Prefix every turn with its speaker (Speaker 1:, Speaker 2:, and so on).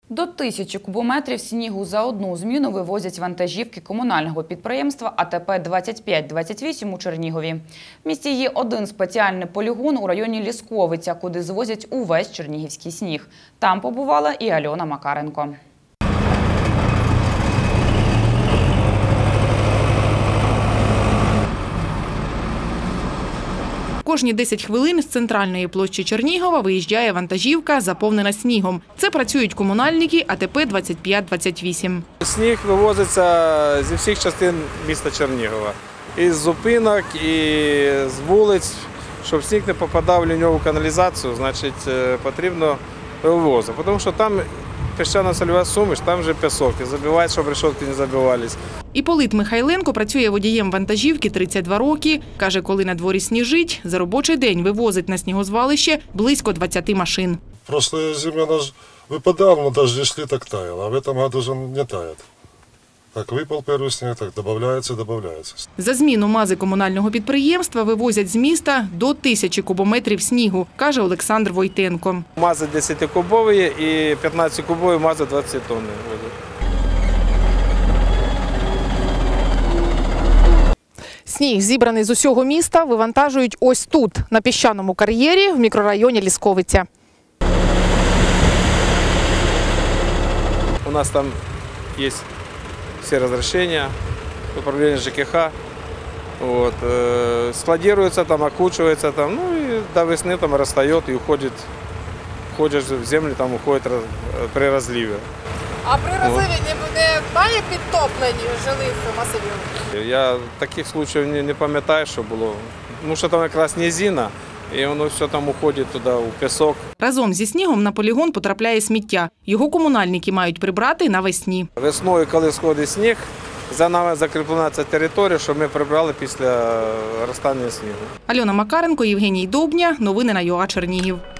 Speaker 1: До 1000 кубометрів снігу за одну зміну вивозять вантажівки комунального підприємства АТП 2528 у Чернігові. В місті є один спеціальний полігон у районі Лісковиця, куди звозять увесь чернігівський сніг. Там побувала і Альона Макаренко.
Speaker 2: Кожні 10 хвилин з центральної площі Чернігова виїжджає вантажівка, заповнена снігом. Це працюють комунальники АТП 2528.
Speaker 3: Сніг вивозиться зі всіх частин міста Чернігова. Із зупинок, і з вулиць. Щоб сніг не попадав в ліньову каналізацію, значить потрібно вивозити. Тому що там піщано-сольова суміш, там вже пісок. І забивають, щоб решетки не забивались.
Speaker 2: Іпполит Михайленко працює водієм вантажівки 32 роки. Каже, коли на дворі сніжить, за робочий день вивозить на снігозвалище близько 20 машин.
Speaker 4: Прошлая зима выпадал, но даже шли так таяло, а в этом году же не тает. Так выпал первый снег, так добавляется.
Speaker 2: За зміну МАЗи комунального підприємства вивозять з міста до 1000 кубометрів снігу, каже Олександр Войтенко.
Speaker 3: МАЗи 10-кубові і 15-кубові МАЗи 20 тонн возять.
Speaker 2: Сніг, зібраний з усього міста, вивантажують ось тут, на піщаному кар'єрі в мікрорайоні Лісковиця.
Speaker 3: У нас там є все разрешения, управление ЖКХ. Вот, складируется, там, окучивается, там, ну и до весны там растает и уходит в землю, там уходит при разливе.
Speaker 5: А при розливі немає підтоплень жилих масивів?
Speaker 3: Я таких случаїв не пам'ятаю, що було. Тому що там якраз низина, і воно все там уходить туди, у пісок.
Speaker 2: Разом зі снігом на полігон потрапляє сміття. Його комунальники мають прибрати навесні.
Speaker 3: Весною, коли сходить сніг, за нами закріплена ця територія, що ми прибрали після розтання снігу.
Speaker 2: Альона Макаренко, Євгеній Довбня. Новини на ЮА Чернігів.